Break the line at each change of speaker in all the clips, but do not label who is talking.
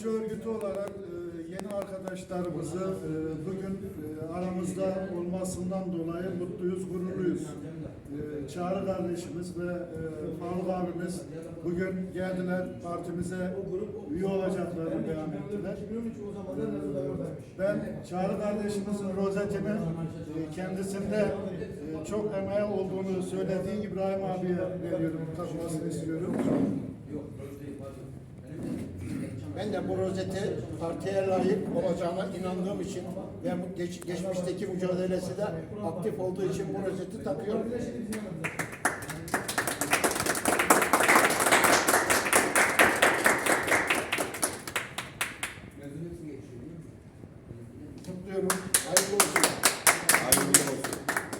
işçi örgütü olarak yeni arkadaşlarımızı bugün aramızda olmasından dolayı mutluyuz, gururluyuz. Çağrı kardeşimiz ve Faruk abimiz bugün geldiler, partimize üye olacaklarını beyan ettiler. Ben Çağrı kardeşimizin rozetini kendisinde çok emeği olduğunu söylediği İbrahim abiye veriyorum, takmasını istiyorum.
Ben de bu rozeti partiye layık olacağına inandığım için ve bu geçmişteki mücadelesi de aktif olduğu için bu rozeti takıyorum. Kutluyorum. Hayırlı olsun.
Hayırlı olsun.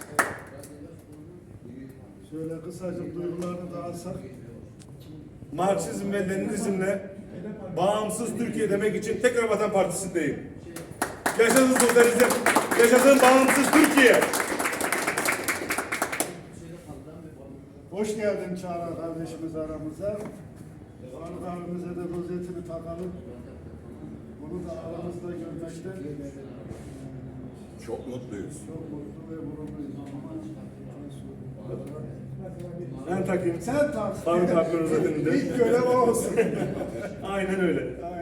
Şöyle kısacık duygularını da alsak.
Marksizm ve Leninizmle bağımsız Türkiye demek için tekrar Vatan Partisi'ndeyim. Yaşasın sosyalizm, yaşasın bağımsız Türkiye.
Hoş geldin Çağrı kardeşimiz aramıza. Faruk abimize de rozetini takalım. Bunu da aramızda görmekten
Çok mutluyuz.
çok mutlu ve gururluyuz.
Ben takayım.
Sen tak.
Faruk abinin rozetini de.
İlk görev o olsun.
Aynen öyle.